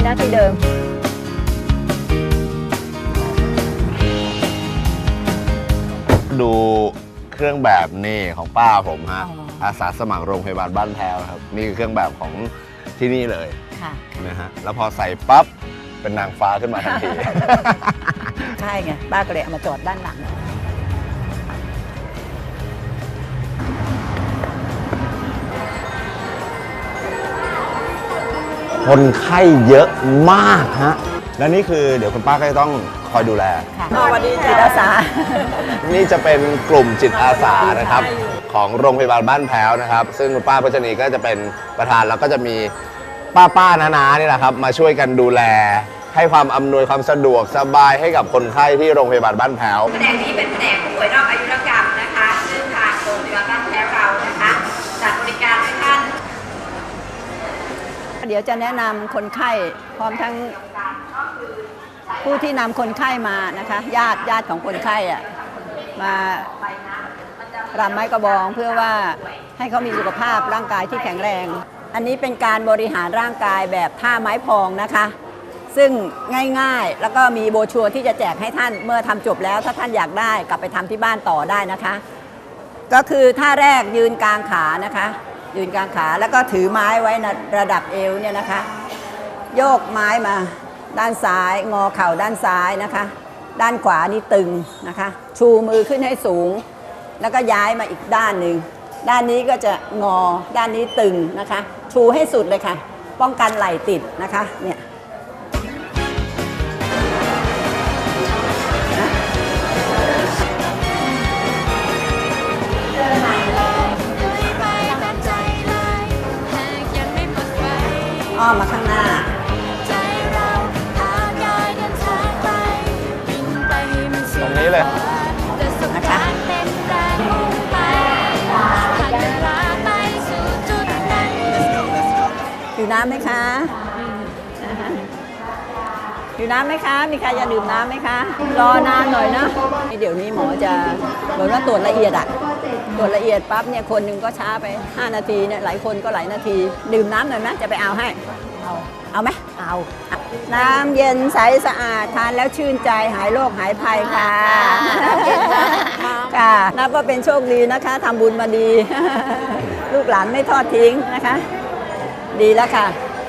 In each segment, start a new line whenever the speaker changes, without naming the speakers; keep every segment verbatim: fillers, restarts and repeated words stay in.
นะที่เดิม
ดูเครื่องแบบนี่ของป้าผมฮะอาสาสมัครโรงพยาบาลบ้านแพ้วครับนี่คือเครื่องแบบของที่นี่เลยนะฮะแล้วพอใส่ปั๊บเป็นนางฟ้าขึ้นมาทันที
ใช่ไงป้าก็เลยเอามาจอดด้านหลัง
คนไข้เยอะมากฮะและนี่คือเดี๋ยวคุณป้าก็จะต้องคอยดูแล
ค่ะสวัสดีจิตอาสา
นี่จะเป็นกลุ่มจิตอาสานะครับของโรงพยาบาลบ้านแพ้วนะครับซึ่งคุณป้าพัชนีก็จะเป็นประธานแล้วก็จะมีป้าป้าน้าๆนี่แหละครับมาช่วยกันดูแลให้ความอำนวยความสะดวกสบายให้กับคนไข้ที่โรงพยาบาลบ้านแพ้ว
แผนกนี้เป็นแผนกผู้ป่วยนอกอายุรกรรมนะคะซึ่งทางโรงพยาบาลบ้านแพ้วเรานะคะจัดบริการให้ท่าน
เดี๋ยวจะแนะนำคนไข้พร้อมทั้งผู้ที่นำคนไข้มานะคะญาติญาติของคนไข้อะมารำไม้กระบองเพื่อว่าให้เขามีสุขภาพร่างกายที่แข็งแรงอันนี้เป็นการบริหารร่างกายแบบท่าไม้พองนะคะซึ่งง่ายๆแล้วก็มีโบรชัวร์ที่จะแจกให้ท่านเมื่อทำจบแล้วถ้าท่านอยากได้กลับไปทำที่บ้านต่อได้นะคะก็คือท่าแรกยืนกลางขานะคะยืนกลางขาแล้วก็ถือไม้ไว้ในระดับเอวเนี่ยนะคะโยกไม้มาด้านซ้ายงอเข่าด้านซ้ายนะคะด้านขวานี่ตึงนะคะชูมือขึ้นให้สูงแล้วก็ย้ายมาอีกด้านหนึ่งด้านนี้ก็จะงอด้านนี้ตึงนะคะชูให้สุดเลยค่ะป้องกันไหล่ติดนะคะเนี่ยอ้อมมาข้างหน้า
ตรงนี้เลย
นะคะอยู่น้ำไหมคะอยู่น้ำไหมคะมีใครจะดื่มน้ำไหมคะรอนานหน่อยนะเดี๋ยวนี้หมอจะเหมือนว่าตรวจละเอียดอะตรวจละเอียดปั๊บเนี่ยคนหนึ่งก็ช้าไปห้านาทีเนี่ยหลายคนก็หลายนาทีดื่มน้ำหน่อยไหมจะไปเอาให้เอาเอาไหมเอาน้ำเย็นใสสะอาดทานแล้วชื่นใจหายโรคหายภัยค่ะค่ะนับว่าเป็นโชคดีนะคะทำบุญมาดีลูกหลานไม่ทอดทิ้งนะคะดีแล้วค่ะ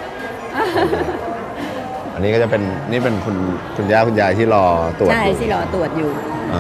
อันนี้ก็จะเป็นนี่เป็นคุณคุณย่าคุณยายที่รอตรวจ
ใช่ที่รอตรวจอยู่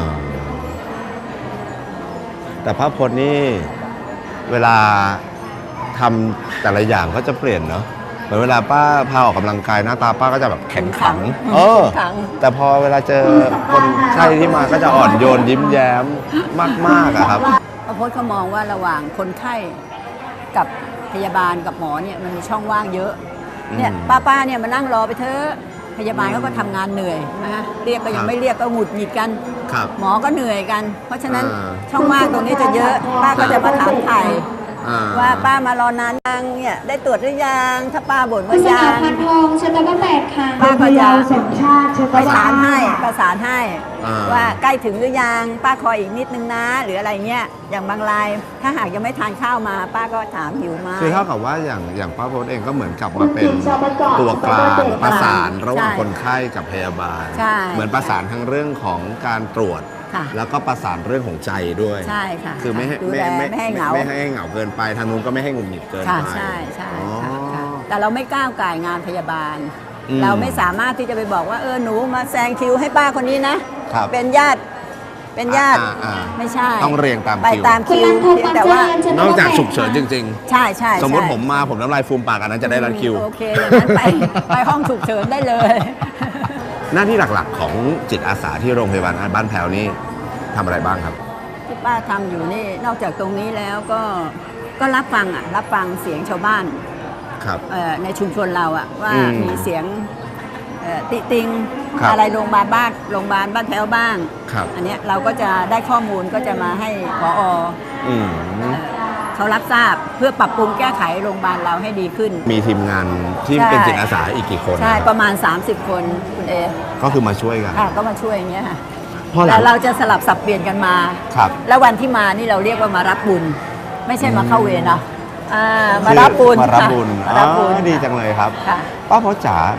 แต่พระพจน์นี่เวลาทำแต่ละอย่างก็จะเปลี่ยนเนาะเหมือนเวลาป้าพาออกกำลังกายหน้าตาป้าก็จะแบบแข็งขังเออแต่พอเวลาเจอคนไข้ที่มาก็จะอ่อนโยนยิ้มแย้มมากๆอะครับ
พระพจน์เขามองว่าระหว่างคนไข้กับพยาบาลกับหมอเนี่ยมันมีช่องว่างเยอะเนี่ยป้าๆเนี่ยมานั่งรอไปเถอะพยาบาลเขาก็ทำงานเหนื่อยนะคะเรียกก็ยังไม่เรียกก็หงุดหงิดกันหมอก็เหนื่อยกันเพราะฉะนั้นช่องว่างตรงนี้จะเยอะป้าก็จะมาถามไถ่ว่าป้ามารอนานยังเนี่ยได้ตรวจหรือยังถ้าป้าบ่นว่ายัง
พันทองชั้นตะแปดค่ะ
ป้าก็จะประสานให้ประสานให้ว่าใกล้ถึงหรือยังป้าคอยอีกนิดนึงนะหรืออะไรเงี้ยอย่างบางรายถ้าหากยังไม่ทานข้าวมาป้าก็ถามหิวไหม
คือเท่ากับว่าอย่างอย่างป้าพจน์เองก็เหมือนกับมาเป็นตัวกลางประสานระหว่างคนไข้กับพยาบาลเหมือนประสานทั้งเรื่องของการตรวจแล้วก็ประสานเรื่องของใจด้วย
ใช่ค่ะ
คือไม่ให้ไม่ไม่ให้เหงาไม่ให้เหงาเกินไปทางนู้นก็ไม่ให้หงุดหงิดเกินไป
ใช่ใช่ค่ะแต่เราไม่ก้าวก่ายงานพยาบาลเราไม่สามารถที่จะไปบอกว่าเออหนูมาแซงคิวให้ป้าคนนี้นะเป็นญาติเป็นญาติไม่ใช่
ต้องเรียงตาม
คิวไปตามคิวแต่ว่
านอกจากฉุกเฉินจริง
ๆใช่ใช่
สมมติผมมาผมน้ำลายฟูมปากอันนั้นจะได้รัดคิว
โอเคอย่างนั้นไปไปห้องฉุกเฉินได้เลย
หน้าที่หลักๆของจิตอาสาที่โรงพยาบาลบ้านแพ้วนี่ทำอะไรบ้างครับ
ที่ป้าทำอยู่นี่นอกจากตรงนี้แล้วก็ก็รับฟังอ่ะรับฟังเสียงชาวบ้าน
ครับ
ในชุมชนเราอ่ะว่ามีเสียงติติงอะไรโรงพยาบาลบ้านโรงพยาบาลบ้านแพ้วบ้างอันนี้เราก็จะได้ข้อมูลก็จะมาให้ผอ.เขารับทราบเพื่อปรับปรุงแก้ไขโรงพยาบาลเราให้ดีขึ้น
มีทีมงานที่เป็นจิตอาสาอีกกี่คน
ใช่ประมาณสามสิบคนคุณเอ
ก็คือมาช่วยกัน
ค่ะก็มาช่วยอย่างเงี้ยค่ะแต่เราจะสลับสับเปลี่ยนกันมาแล้ววันที่มานี่เราเรียกว่ามารับบุญไม่ใช่มาเข้าเวรนะมารับบุญ
มารับบุญดีจังเลยครับป้าพจน์จ๋า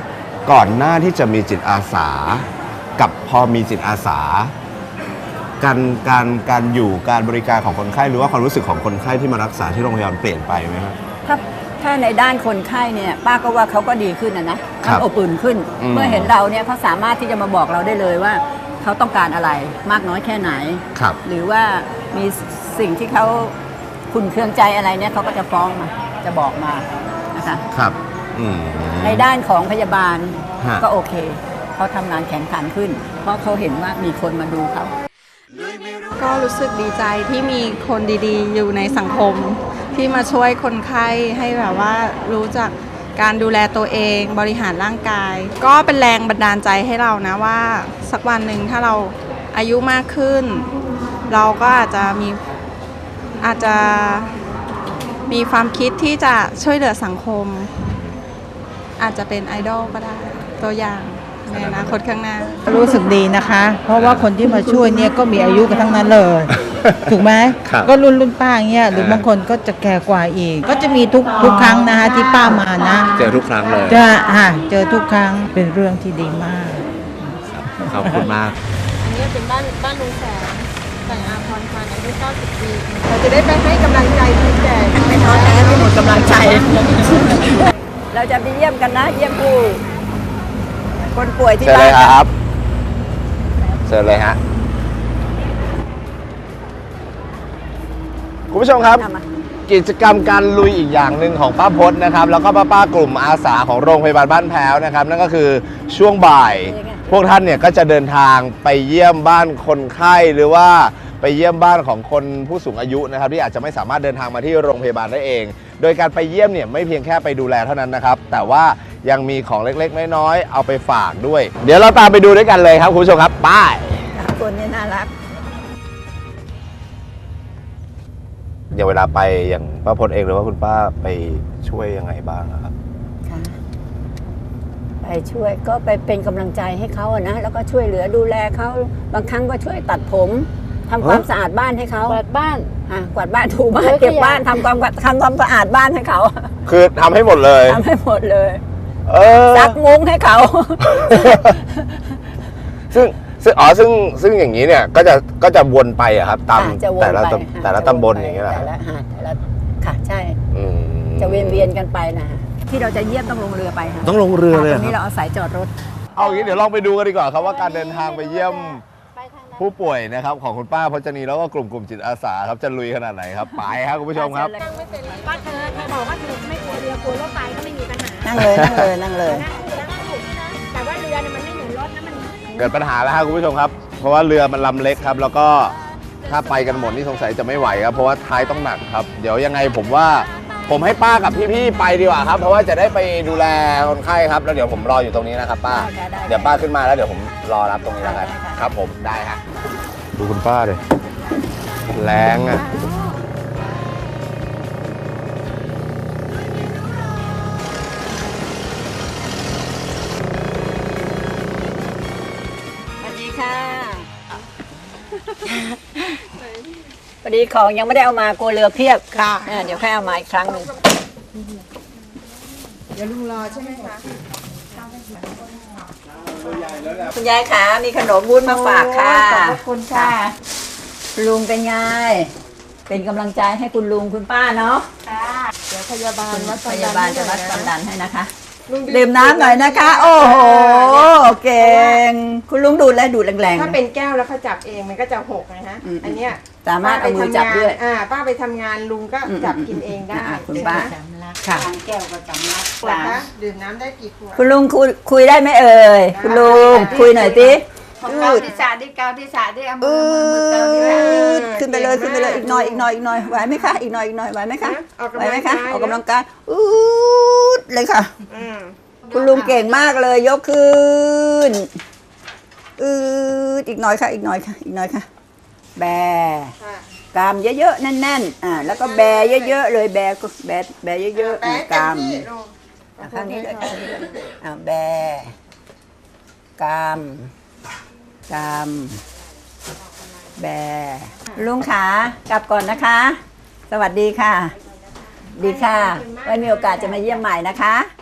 ก่อนหน้าที่จะมีจิตอาสากับพอมีจิตอาสาการการการอยู่การบริการของคนไข้หรือว่าความรู้สึกของคนไข้ที่มารักษาที่โรงพยาบาลเปลี่ยนไปไหมครับ
ถ้าถ้าในด้านคนไข้เนี่ยป้าก็ว่าเขาก็ดีขึ้นนะนะครับ อบอุ่นขึ้น
อืม
เมื่อเห็นเราเนี่ยเขาสามารถที่จะมาบอกเราได้เลยว่าเขาต้องการอะไรมากน้อยแค่ไหน
ครับ
หรือว่ามีสิ่งที่เขาขุ่นเคืองใจอะไรเนี่ยเขาก็จะฟ้องมาจะบอกมานะคะ
ครับอืม
ในด้านของพยาบาล
ฮะ
ก็โอเคเขาทำงานแข็งขันขึ้น เพราะเขาเห็นว่ามีคนมาดูเขา
ก็รู้สึกดีใจที่มีคนดีๆ อยู่ในสังคม ที่มาช่วยคนไข้ให้แบบว่ารู้จักการดูแลตัวเองบริหารร่างกาย ก็เป็นแรงบันดาลใจให้เรานะว่าสักวันหนึ่งถ้าเราอายุมากขึ้น เราก็อาจจะมีอาจจะมีความคิดที่จะช่วยเหลือสังคม อาจจะเป็นไอดอลก็ได้ตัวอย่างในอนาคตข้างหน้า
รู้สึกดีนะคะ เพราะว่าคนที่มาช่วยเนี่ยก็มีอายุกันทั้งนั้นเลย ถูกไหม
ครับ
ก็รุ่นรุ่นป้าเงี้ยหรือบางคนก็จะแก่กว่าอีก ก็จะมีทุกทุกครั้งนะคะที่ป้ามานะ
เจอทุกครั้งเลย
จะอ่ะเจอทุกครั้งเป็นเรื่องที่ดีมาก
ขอบคุณมาก
อันนี้เป็นบ้านบ้านลุงแสงแต่งอาพรพันธ์อายุเก้าสิบปี
เราจะได้ไปให้กำลังใจที่แก่ไม่ท้อแท้ที่หมดกำลังใจ เราจะไปเยี่ยมกันนะ เยี่ยมผู้คนป่วยที่
เชิญ
บ้า
เล
น
ยครับเชิญเลยฮะคุณผู้ชมครับ
เอามา
กิจกรรมการลุยอีกอย่างหนึ่งของป้าพจน์นะครับ แล้วก็ป้าป้ากลุ่มอาสาของโรงพยาบาลบ้านแพ้วนะครับ นั่นก็คือช่วงบ่าย พวกท่านเนี่ยก็จะเดินทางไปเยี่ยมบ้านคนไข้หรือว่าไปเยี่ยมบ้านของคนผู้สูงอายุนะครับที่อาจจะไม่สามารถเดินทางมาที่โรงพยาบาลได้เอง โดยการไปเยี่ยมเนี่ยไม่เพียงแค่ไปดูแลเท่านั้นนะครับ แต่ว่ายังมีของเล็กๆน้อยๆเอาไปฝากด้วย เดี๋ยวเราตามไปดูด้วยกันเลยครับคุณผู้ชมครับไป
คนนี้น่ารัก
อย่างเวลาไปอย่างป้าพจน์เองหรือว่าคุณป้าไปช่วยยังไงบ้างอะครับ
ค่ะไปช่วยก็ไปเป็นกำลังใจให้เขาอะนะ แล้วก็ช่วยเหลือดูแลเขาบางครั้งก็ช่วยตัดผมทำความสะอาดบ้านให้เขา
กวาดบ้าน
อ่ะกวาดบ้านถูบ้าน
เฮ้ย
เก็บ
ขยะ
บ้านทำความทำความสะอาดบ้านให้เขา
คือทำให้หมดเลย
ทำให้หมดเลย
เออ
ซักมุ้งให้เขา
ซึ่งซึ่งอ๋อซึ่งซึ่งอย่างนี้เนี่ยก็จะก็จะวนไปอะครับตาม
อ่ะจะวน
แต่ละ
ไป
ตำ
ค่ะ
แต่ละ
จ
ตำบล
วนไป
อย่างเงี้ยเหรอ
แต่
ครับ
ละหาดแต่ละค่ะใช่
อืม
จะเวียนเวียนๆกันไปนะที่เราจะเยี่ยมต้องลงเรือไปค่ะ
ต้องลงเรือเลย
ต
เห
ร
รง
นี้
อ
เรา
ครับ
เอาสายจอดรถ
เอาอย่างนี้เดี๋ยวลองไปดูกันดีกว่าครับว่าการเดินทางไปเยี่ยมผู้ป่วยนะครับของคุณป้าพจนีแล้วก็กลุ่มกลุ่มจิตอาสาครับจะลุยขนาดไหนครับไปครับคุณผู้ชมครับ
ว่าเธอเธอบอกว่าเธอไม่กลัวเรือกลัวรถไฟก็ไม่มีปัญหา
นั่งเลยนั่งเลยนั่งเลย
นั่งเรือก็ถูกนะแต่ว่าเรือเนี่ยมันไม่เหมือนรถนะมัน
เกิดปัญหาแล้วครับคุณผู้ชมครับ เพราะว่าเรือมันลำเล็กครับ แล้วก็ถ้าไปกันหมดนี่สงสัยจะไม่ไหวครับ เพราะว่าท้ายต้องหนักครับ เดี๋ยวยังไงผมว่าผมให้ป้ากับพี่ๆไปดีกว่าครับ เพราะว่าจะได้ไปดูแลคนไข้ครับ แล้วเดี๋ยวผมรออยู่ตรงนี้นะครับป้า
ได้ได้
เดี๋ยวป้าขึ้นมาแล้วเดี๋ยวผมรอรับตรงนี้แล้วกัน
ได้ค่ะ
ครับผมได้ฮะดูคุณป้าเลยแรงอ่ะ
สวัสดีค่ะพอดีของยังไม่ได้เอามากลัวเรือเพียบค่ะเดี๋ยวแค่เอามาอีกครั้งหนึ่งเดี๋ยวลุงรอใช่ไหมคะคุณยายคะมีขนมวุ้นมาฝากค่ะ
ขอบคุณค่ะ
ลุงเป็นไงเป็นกำลังใจให้คุณลุงคุณป้าเนาะ
เดี๋ยวพยาบาลวัด
พยาบาลจะวัดความดันให้นะคะ
ลุง
ดื่มน้ำหน่อยนะคะ โอ้โหเก่งคุณลุงดูดแล้วดูดแรงๆ
ถ้าเป็นแก้วแล้วเขาจับเองมันก็จะหกนะฮะ
อืม
อันเนี้ย
สามารถเอามือจับด้วย
อ่าป้าไปทำงานลุงก็จับกินเองได้
อ่ะคุณป้าค่ะ
ขวดนะดื่มน้ำได้กี่ขวด
คุณลุงคุยคุยได้ไหมเอ่ยคุณลุงคุยหน่อยสิ
เกาที่สาที่เกาที่สาที่เอามื
อื
อมือมือเกาที่สา
ดขึ้นไปเลยขึ้นไปเลยอีกหน่อยอีกหน่อยอีกหน่อยไหวไหมคะอีกหน่อยอีกหน่อยไหวไหมคะไหวไหมคะออกกำลังกายอืดเลยค่ะ
อืม
คุณลุงเก่งมากเลยยกขึ้นอืดอีกหน่อยค่ะอีกหน่อยค่ะอีกหน่อยค่ะ แบ
ค่ะ
กรามเยอะๆแน่นๆอ่าแล้วก็แบเยอะๆเลยแบก็แบแบเยอะๆ
แป๊ะ
กราม
เต็ที่ลุง
อ่ะข้างนี้ด้วยข้างนี้ด้วยอ่าแบกรามกรามแบลุงขากลับก่อนนะคะ สวัสดีค่ะ ดีค่ะไว้มีโอกาสจะมาเยี่ยมใหม่นะคะ